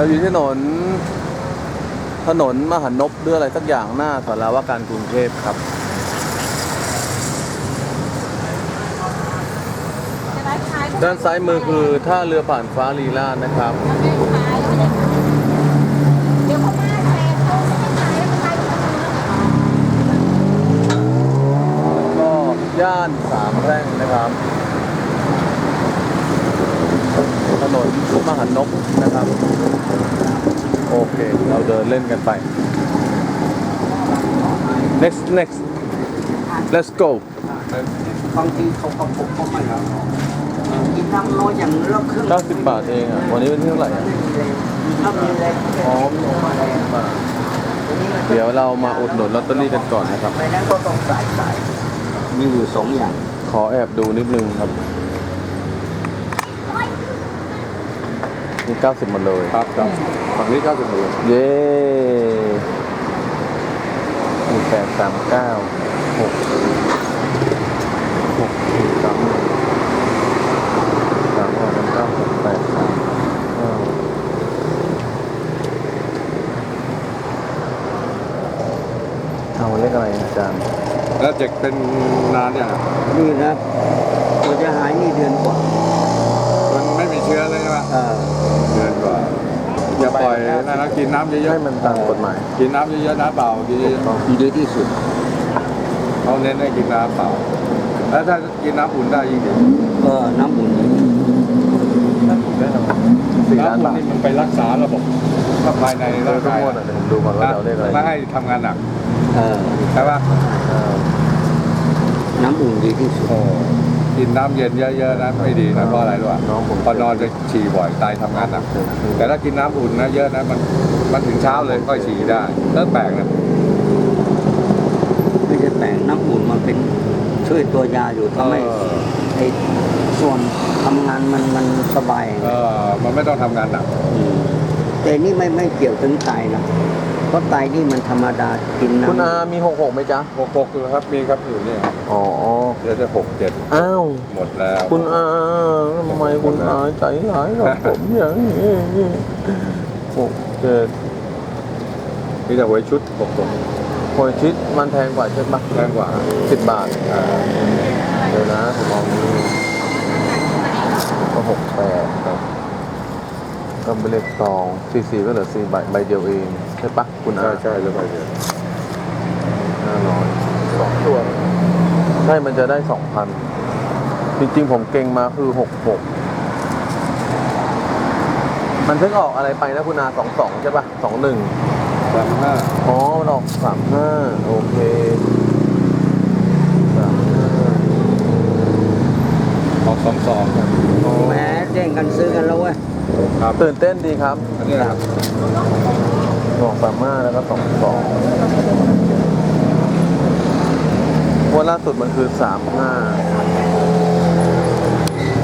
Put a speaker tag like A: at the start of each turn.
A: เราอยู่ที่ถนนมหานพหรืออะไรสักอย่างหน้าสาราว่าการกรุงเทพครับด้านซ้ายมือคือท่าเรือผ่านฟ้าลีลาศนะครับก็ย่านสามแพร่งนะครับถนนมหานพนะครับโอเคเราเดินเล่นกันไป next let's go
B: บางทีเขาก็พกเข้ามาแล้วกินน้ำน้อยอย่างเลือกเครื่อง
A: 90 บาทเองอ่ะวันนี้เป็นที่เท่าไหร่อ่ะ
B: ถ้ามีแรง
A: อ๋อมีมาแรงบาทเดี๋ยวเรามาอุดหนุนลอตเตอรี่กันก่อนนะครับ
B: ไม่นั้นก็ต้องใส่มีอยู่สองอย่าง
A: ขอแอบดูนิดนึงครับนี่90หมดเลยครับฝั่งนี้90เลยเย้เอาเลขอะไรอาจารย์
C: แล้วเจ็กเป็นนานอย่าง
B: นี่นะมันจะหายนี่เดือนกว่า
C: มันไม่มีเชื้อเลยใช่ไหม
B: เออ
C: เดือนกว่าอย่าปล่อยนะนะกินน้ำเยอะ
A: ให้มันตามกฎหมาย
C: ๆกินน้ำเยอะๆน้ำเปล่ากินเยอะ
B: ดีที่สุด
C: ๆเขาเน้นให้กินน้ำเปล่าแล้วถ้ากินน้ำอุ่นได้ยิ่งดี
B: น้ำอุ่น
A: น่าถูกแน่นอน4 ล้าน
C: น้ำอุ่น
A: บาท
C: นี่มันไปรักษาระบบภายใน
A: เอ
C: ร่า
A: อง ทุก
C: กาย
A: งวดอ่ะเดี๋ยวผมดูก่อนว่าเราเลขอะไร
C: ไม่ให้ทำงานหนัก
B: เออ
C: ใช่ปะ
B: น้ำอุ่นดีที่สุด
C: โอ้กินน้ำเย็นเยอะๆนะไม่ดีนะเพราะอะไรรู้ป่ะ
A: น้องผม
C: พอนอนจะฉี่บ่อยไตทำงานหนัก แต่ถ้ากินน้ำอุ่นนะเยอะนะมันถึงเช้าเลยค่อยฉี่ได้เริ่มแปลกนะ
B: ไม่ใช่แปลงน้ำอุ่นมันเป็นช่วยตัวยาอยู่ทำให้ไอ้ส่วนทำงานมันสบาย
C: มันไม่ต้องทำงานหนัก
B: แต่นี่ไม่เกี่ยวถึงไตนะเพราะไตนี่มันธรรมดากินน้ำ
A: คุณอามี66ไหมจ๊ะ
C: 6อยู่ครับมีครับอยู่เนี่ย
A: อ๋อ
C: เดี๋ยวจะ6
A: อ้าว
C: 7หมดแล้ว
A: คุณอาทำไมคุณอาใจร้ายกับผมอย่างนี้67
C: มีแต่หวยชุด6
A: โอยชิดมันแพงกว่าใช่ปะ
C: แพงกว่า
A: 10 บาทเดี๋ยวนะผมมองนี่ก็68ครับก็เป็นเลขซอง44ก็เหลือ4 ใบเดียวเองใช่ปะคุณอา
C: ใช่แล้วไปเดียว
A: 500 2 ตัวใช่มันจะได้ 2,000 จริงๆผมเก่งมาคือ66มันเพิ่งออกอะไรไปนะคุณอา22ใช่ปะ21
C: 35
A: อ๋อมันออก35โอเค35
C: ออก22ครับ
B: แม้แย่งกันซื้อกันแล้วเว้ย
C: ครับ
A: ตื่นเต้นดีครับ
C: อันนี้นะครับ
A: บอก35แล้วก็22งวดล่าสุดมันคือ35